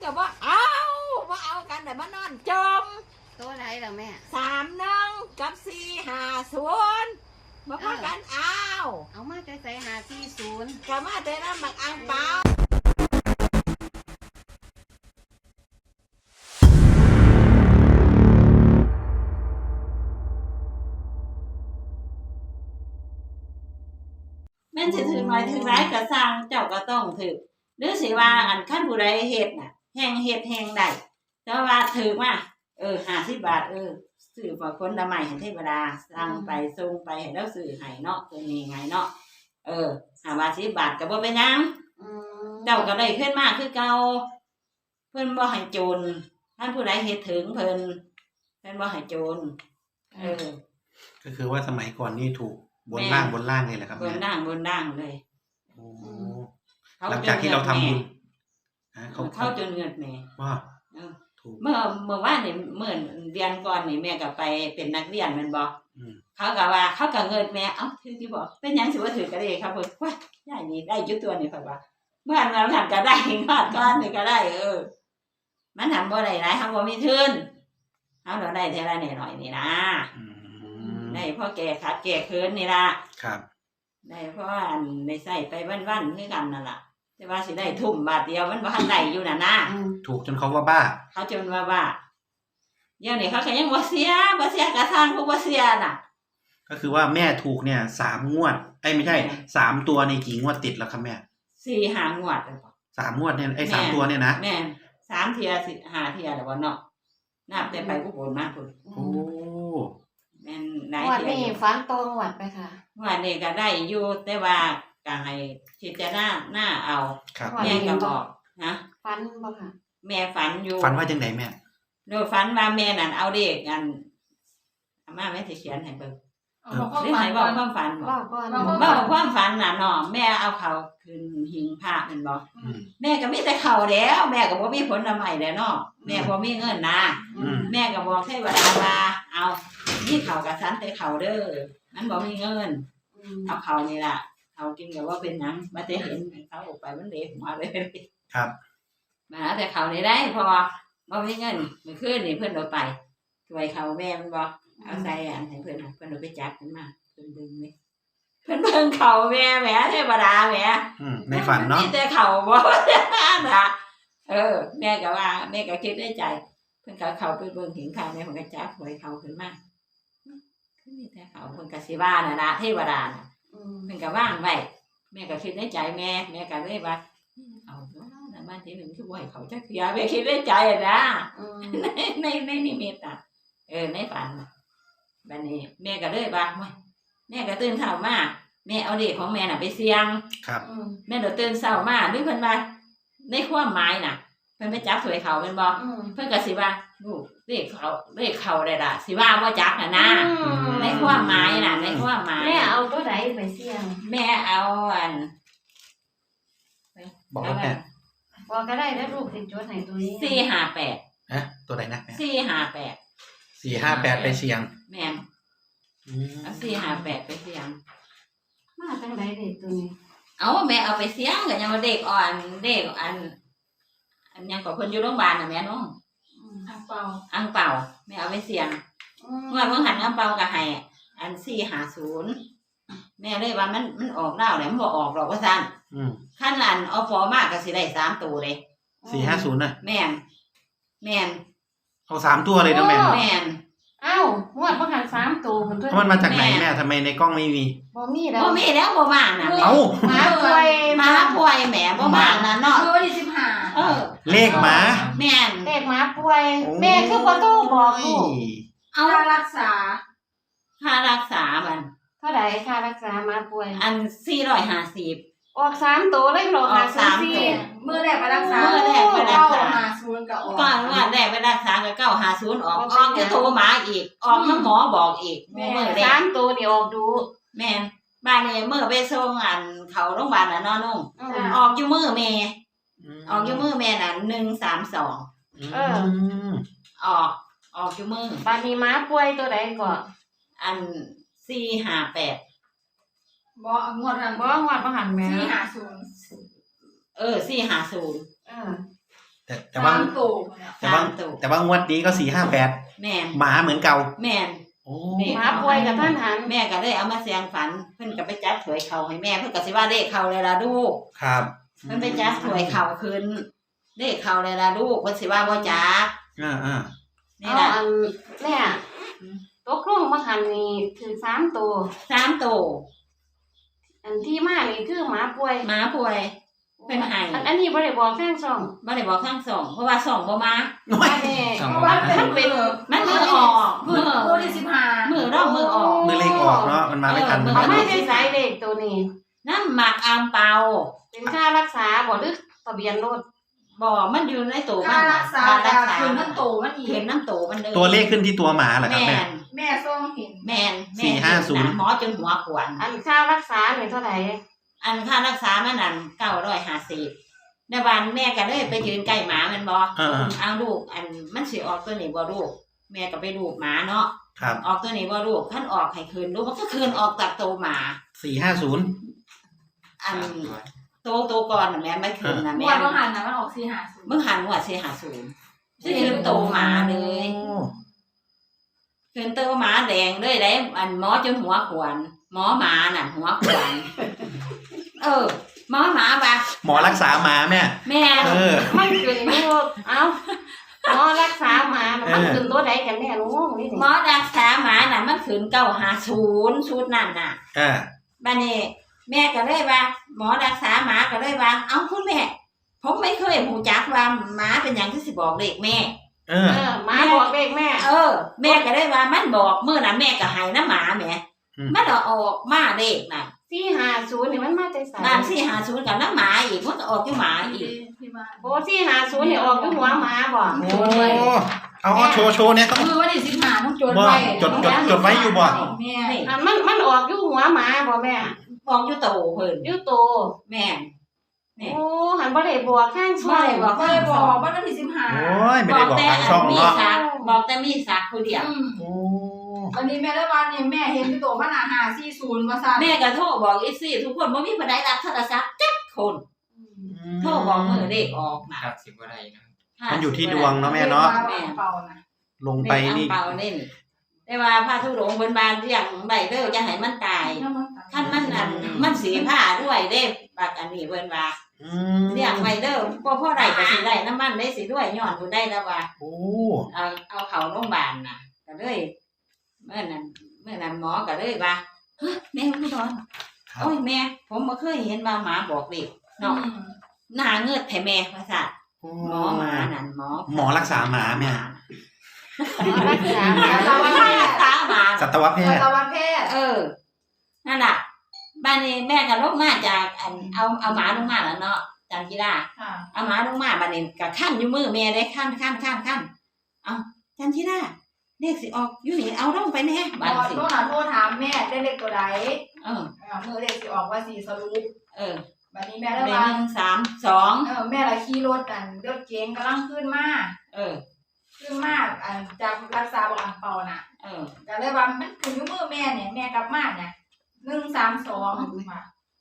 ก็บ่เอากันแต่มานอนจมตัวไหนล่ะแม่ 31กับ450บ่พากันเอามาใส่540 ก็มาแต่น้ำบักอังเปาแม่นสิถึงหน่อยถึงร้ายก็สร้างเจ้าก็ต้องถือหรือสิว่าอันคันผู้ใดเฮ็ดน่ะแฮงเฮ็ดแฮงได้แต่ว่าถือมา50 บาทซื้อฝากคนละไม้ให้เทวดาสั่งไปส่งไปให้เราซื้อให้เนาะตัวนี้ไงเนาะ5 บาท10 บาทก็บ่เป็นหยังเจ้าก็ได้ขึ้นมาคือเก่าเพิ่นบ่ให้โจรท่านผู้ใดเฮ็ดถึงเพิ่นบ่ให้โจรก็คือว่าสมัยก่อนนี่ถูกบนล่างเลยแหละครับบนล่างเลยโอ้หลังจากที่เราทำบุญเขาจนเงินแม่ว่าเมื่อวานนี่เมื่อเดือนก่อนนี่แม่ก็ไปเป็นนักเรียนแม่นบ่เขาก็ว่าเขาก็เงินแม่ถือที่บอกเป็นหยังสิว่าถือก็ได้ครับเพิ่นว่ายายนี่ได้อยู่ตัวนี่เพิ่นว่าเมื่อเราทำก็ได้งอดก้อนนี่ก็ได้มันทำบ่ได้หลายเฮาบ่มีทุนเฮาได้เท่าละน้อยๆนี่นะได้เพราะแก่ขาดแก่เคินนี่ล่ะครับได้เพราะอันได้ใส่ไปวันๆคือกันนั่นล่ะแต่ว่าสิได้ทุ่มบาทเดียวมันบ่ทันได้อยู่น่ะนะถูกจนเขาว่าบ้าเขาจนว่าบ้าเดี๋ยวนี้เขาก็ยังบ่เสียกระทั่งพวกบ่เสียน่ะก็คือว่าแม่ถูกเนี่ย3 งวดไม่ใช่3 ตัวในกี่งวดติดแล้วครับแม่ 4-5 งวด 3 งวดเนี่ย3 ตัวเนี่ยนะแม่3 เที่ย5 เที่ยแล้วบ่เนาะนับแต่ไปผู้คนมาพุ่นโอ้แม่นหลายเที่ยนี่ฟันโตงวดไปค่ะงวดนี้ก็ได้อยู่แต่ว่าก็ให้พิจารณาเอาแม่ก็บอกนะฟันบ่ค่ะแม่ฝันอยู่ฝันว่าจังได๋แม่โดยฝันว่าแม่นั่นเอาเด็กกันอาม่าแม่สิเขียนให้เบิ่งหรือให้บอกความฝันบอกความฝันน่ะเนาะแม่เอาเขาขึ้นหิ้งพระแม่นบ่แม่ก็มีแต่เขาแล้วแม่ก็บ่มีผลไม้แล้วเนาะแม่บ่มีเงินนะแม่ก็บอกเทวดาว่าเอานี่เขากับฉันแต่เขาเด้อมันบ่มีเงินเอาเขานี่ล่ะเขากินก็ว่าเป็นหยังมาแต่เห็นเขาออกไปมันเละหัวเลยครับมาแต่เขานี่ได้พอบ่มีเงินมื้อคืนนี่เพิ่นเอาไปช่วยเขาแม่มันบ่เอาใส่อันให้เพิ่นเอาไปจับมันมาเพิ่นดึงนี่เพิ่นเบิ่งเขาแม่แหมเทวดาแหมในฝันเนาะมีแต่เขาบ่น่ะแม่ก็ว่าแม่ก็คิดในใจเพิ่นก็เขาไปเบิ่งเห็นเขาแม่เพิ่นก็จับหวยเขาขึ้นมาคือมีแต่เขาเพิ่นก็สิว่าน่ะนะเทวดาน่ะเพิ่นก็วางไว้แม่ก็คิดในใจแม่ก็เลยว่าเอาแล้วบ้านที่1คือบ่ให้เขาจักเที่ยแม่คิดในใจนะในนิมิตอ่ะในฝันบัดนี้แม่ก็เลยว่าแม่ก็ตื่นเช้ามาแม่เอาเด็กของแม่น่ะไปเสี่ยงครับแม่เดี๋ยวตื่นเช้ามาด้วยเพิ่นว่าในความหมายน่ะเพิ่นไปจับสวยเขาแม่นบ่เพิ่นก็สิว่าลูกเลขเขาได้ล่ะสิว่าบ่จักน่ะนะในความหมายน่ะในความหมายแม่เอาตัวใดไปเสี่ยงแม่เอาอันบอกแม่บอกก็ได้แล้วลูกสิจดให้ตัวนี้ 458 ฮะตัวไหนนะ 458 ไปเสี่ยงแม่เอา458ไปเสี่ยงมาจังได๋เด็กตัวนี้เอาแม่เอาไปเสี่ยงก็ยังว่าเด็กอ่อนเด็กอันยังก็เพิ่นอยู่โรงพยาบาลน่ะแม่น้องอังเปาแม่เอาไปเสี่ยงเมื่อเพิ่นหันอังเปาก็ให้อัน450แม่เลยว่ามันออกดาวแล้วมันบ่ออกหรอกว่าซั่นคันอันเอาฟอมาก็สิได้3ตัวเลย 450น่ะแม่นเอา3ตัวเลยนะแม่แม่นอ้าวงวดบ่หัน3ตัวเพิ่นตัวมันมาจากไหนแม่ทำไมในกล้องไม่มีบ่มีแล้วบ่มาน่ะเอ้ามาป่วยแหมบ่มาน่ะเนาะวันที่15 เลขหมาแม่นเลขหมาป่วยแม่คือบ่โทรบอกลูกเอาค่ารักษามันเท่าใดค่ารักษาหมาป่วยอัน450 ออก3ตัวเลยหรอ 54มื้อแรกไปรักษา950ก็ออกก่อนว่าแรกไปรักษาก็950ออกจะโทรมาอีกออกหมอบอกอีกมื้อแรก3ตัวนี่ออกดูแม่นบ้านนี้มื้อไปส่งอันเขาโรงพยาบาลน่ะเนาะนุ่งออกอยู่มื้อแม่น่ะ132ออกอยู่มื้อบ้านนี้หมาป่วยตัวใดก่อนอัน458 บ่งวดบ่หันแม่ 450 แต่ว่าสามตัวเนี่ยแต่ว่าสามตัวแต่ว่างวดนี้ก็458 แม่นหมาเหมือนเก่าแม่นโอ้นี่หมาป่วยกับท่านหันแม่ก็เลยเอามาเสียงฝัน เพิ่นก็ไปจับถวยเขาให้แม่เพิ่นก็สิว่าเลขเขาเลยล่ะลูกครับเพิ่นไปจับถวยเขาขึ้นเลขเขาเลยล่ะลูกเพิ่นสิว่าบ่จักอ่านี่เอาล่ะอันแม่ตกลงมาหันนี่คือ3ตัว 3ตัวอันที่มานี่คือหมาป่วยหมาป่วย เป็นไห้อันนี้บ่ได้บอกทางช่องบ่ได้บอกทั้งสองเพราะว่าสองบ่มาว่าแน่เพราะว่ามันเป็นมันมือออกมือที่15 มือรอบมือออกมือเลขออกเนาะมันมาไม่ทันเออเขาไม่ได้สายเลขตัวนี้น้ำหมักอามเปาเป็นค่ารักษาบ่หรือทะเบียนรถบ่มันอยู่ในตัวมัค่าน รัน่ะกษาค่าแต่รักษาคืนมันโตมันอีกเห็นน้ำโตมันเลยตัวเลขขึ้นที่ตัวหมาเหรอครับแม่แม่นแม่ส่งเห็นแม่น 450 หมอจนหัวขวนอันค่ารักษาเนี่ยเท่าไหร่อันค่ารักษามันนั่น950ในวันแม่ก็เลยไปยืนใกล้หมามันบ่ เอาลูกอันมันสิออกตัวนี้บ่ลูกแม่ก็ไปลูกหมาเนาะครับออกตัวนี้บ่ลูกคันออกให้คืนลูกมันก็คืนออกจากตัวหมา 450 อันโตก่อนน่ะแม่ไม่คืนน่ะงแม่วดบางหันนะมันออก450 มึงหันหัว450สิคืนโตหมาเลยโอ้คืนโตหมาแดงเลยได้อันหมอจนหัวขวนหมอหมาน่ะหัวขวนหมอหมาบ่ะหมอรักษาหมาแม่แม่เออมันขึ้นอยู่เอ้าหมอรักษาหมามันขึ้นตัวใดกันแน่รู้นี่หมอรักษาหมาน่ะมันคืน950ชุดนั่นน่ะ บัดนี้แม่ก็เลยว่า หมอรักษาหมาก็เลยว่า เอ้าคุณแม่ ผมไม่เคยหูจักว่าหมาเป็นอย่างที่สิบอกเลขแม่หมาบอกเลขแม่แม่ก็เลยว่ามันบอกเมื่อน่ะแม่ก็ให้น้ำหมาแหม่มันเอาออกมาเลขน่ะ 450นี่มันมาแต่ไสบ้าน450กับน้ำหมาอีกมันก็ออกที่หมาอีกที่บ้านโอ้450นี่ออกอยู่หัวหมาบ่โอ้เอาโชว์เนี่ยต้องมือวันที่15ต้องจดบ่ไว้จดไว้อยู่บ่แม่นี่อันมันออกอยู่หัวหมาบ่แม่บอกอยู่โตเพิ่นอยู่โตแม่นโอ้หันบ่ได้บอกข้างช่วยบ่ได้บอกก็เลยบอกว่าวันที่โอ้ยไม่ได้บอกทางช่องมีเนาะสักบอกแต่มีสักผู้เดียว 15 โอ้วันนี้แม่ละวันนี่แม่เห็นที่โตมัน540ว่าซั่นแม่ก็โทรบอกอีซี่ทุกคนบ่มีผู้ใดรับโทรศัพท์จักคนโทรบอกมือเลขออกน่ะครับสิบว่าไรนะมันอยู่ที่ดวงเนาะแม่เนาะแม่เป่านะลงไปนี่เป่าเล่นแต่ว่าพระธุดงค์เพิ่นบานเรียกใบเด้อจะให้มันตายคันมันอันมันสีผ้าด้วยเด้บักอันนี้เพิ่นว่าเรียกใบเด้อพ่อได้ก็สิได้น้ำมันได้สิด้วยย้อนผู้ได้แล้วว่าโอ้เอาเข้าโรงพยาบาลน่ะก็เลยเมื่อนั้นหมอก็เลยว่าเฮ้ยแม่ผู้นอนโอ้ยแม่ ผมบ่เคยเห็นว่าหมาบอกเด็กเนาะหน้าเงือดแท้แม่ว่าซั่นหมอหมานั่นหมอรักษาหมาแม่รักษาหมารักษาหมาสัตวแพทย์สัตวแพทย์นั่นน่ะบ้านนี้แม่ก็ลงมาจากอันเอาหมาลงมาแล้วเนาะจันกีฬาค่ะเอาหมาลงมาบ้านนี้ก็ขั้นอยู่มือแม่ได้ขั้นเอาจันกีฬาเลขสิออกอยู่นี่เอาลงไปแน่บบ้านอกสิโทรถามแม่ได้เลขตัวใดเออมือเลขสิออกว่า4สรุป บัดนี้แม่เลละขวัน 1 3 2 แม่ละขี่รถรถเก๋งกำลังขึ้นมา ขึ้นมากจากรักษาบอกอังเปาน่ะก็เลยว่ามันคือมือแม่เนี่ยแม่กลับมาเนี่ย132มา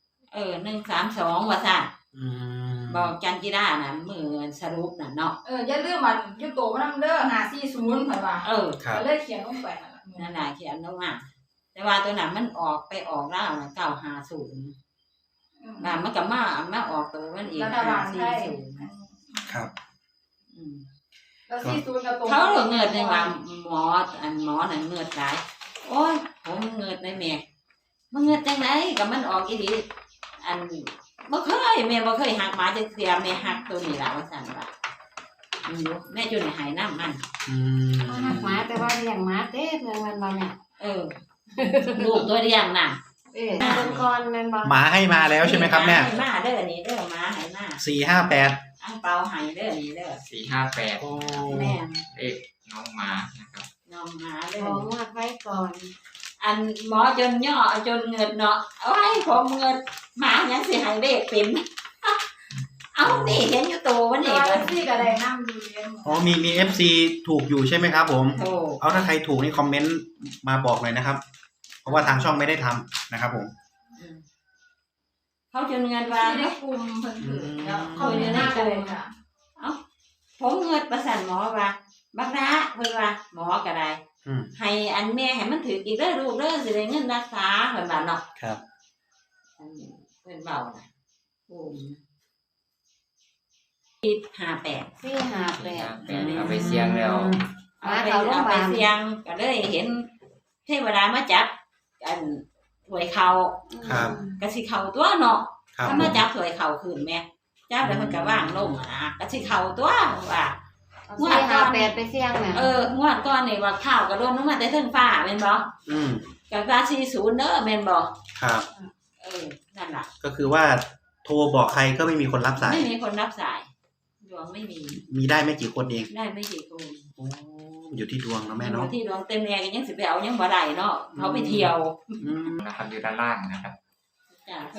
1 3 2ว่าซั่นบอกจันกีฬาน่ะมือสรุปน่ะเนาะอย่าลืมมันอยู่โตมันนำเด้อ540เพิ่นว่าครับก็เลยเขียนลงไปนั่นล่ะนั่นน่ะเขียนลงมาแต่ว่าตัวนั้นมันออกไปออกแล้วน่ะ950น่ะมันก็มาออกตัวมันเองรัฐบาลไทย 540 ครับแล้ว40ก็ตรงเขาเหลือเงินในว่าหมออันหมอนั่นเงินหลายโอ้ยผมเงินในแม่มันเงินจังไหนกับมันออกอีหลีอันบ่เคยแม่บ่เคยหักหมาจักเสียแม่หักตัวนี้ล่ะว่าซั่นว่าแม่อยู่ในหายน้ำมันหมาแต่ว่าเลี้ยงหมาเต้เมืองมันบ่เนี่ยลูกตัวเดียวน่ะเป็นก่อนแม่นบ่หมาให้มาแล้วใช่ไหมครับแม่ให้มาเด้อนี่เด้อหมาให้มา 458 อังเปาให้เด้อนี่เด้อ 458 โอ้แม่เลขน้องหมานะครับน้องหมาเด้ขอองวดไว้ก่อนอันหมอจนย่อจนเงินเนาะเอาให้ผมเงินหมายังสิให้เลขเป็น เอานี่เห็นอยู่ตัววันนี้ตัวซี่ก็ได้นำอยู่เรียนอ๋อมี FC ถูกอยู่ใช่ไหมครับผมโอ้เอาถ้าใครถูกนี่คอมเมนต์มาบอกเลยนะครับ เพราะว่าทางช่องไม่ได้ทำนะครับผมเขาจนเงินว่าที่ได้กลุ่มเพิ่นถือแล้วเขาอยู่ในกลุ่มค่ะผมเงิดประสันหมอว่าบักนะเพิ่นว่าหมอก็ได้ ให้อันแม่ให้มันถืออีกเด้อลูกเด้อสิได้เงินรักษาเพิ่นว่าเนาะครับอันนี้เพิ่นเว้าน่ะโอ้คิด58 458 เอาไปเสี่ยงแล้วเอาไปเสี่ยงก็เลยเห็นเทวดามาจับอันถวยเขาครับก็สิเข้าตัวเนาะครับถ้ามาจับถวยเขาขึ้นแม่จับแล้วมันก็ว่างลงก็สิเข้าตัวว่า 458ไปเสี่ยงน่ะงวดก่อนนี่ว่าข้าวก็โดนลงมาแต่เทิงฟ้าแม่นบ่ ก็ว่า40เด้อแม่นบ่ครับนั่นล่ะก็คือว่าโทรบอกใครก็ไม่มีคนรับสายไม่มีคนรับสายดวงไม่มีมีได้ไม่กี่คนเองได้ไม่กี่คนโอ้อยู่ที่ดวงเนาะแม่เนาะที่ดวงเต็มแม่ก็ยังสิไปเอายังบ่ได้เนาะเขาไปเที่ยวอืมนะครับอยู่ด้านล่างนะครับจ้ะ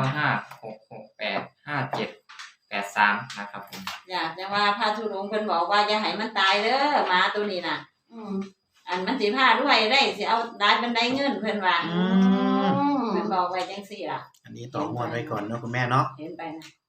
0956685783นะครับผมอยากจะว่าพระธุดงค์เพิ่นบอกว่าอย่าให้มันตายเด้อหมาตัวนี้น่ะ อันมันสิพาด้วยได้สิเอาได้บันไดเงินเพิ่นว่าเพิ่นบอกไว้จังซี่ล่ะอันนี้ต่องวดไว้ก่อนเนาะคุณแม่เนาะเห็นไปนะ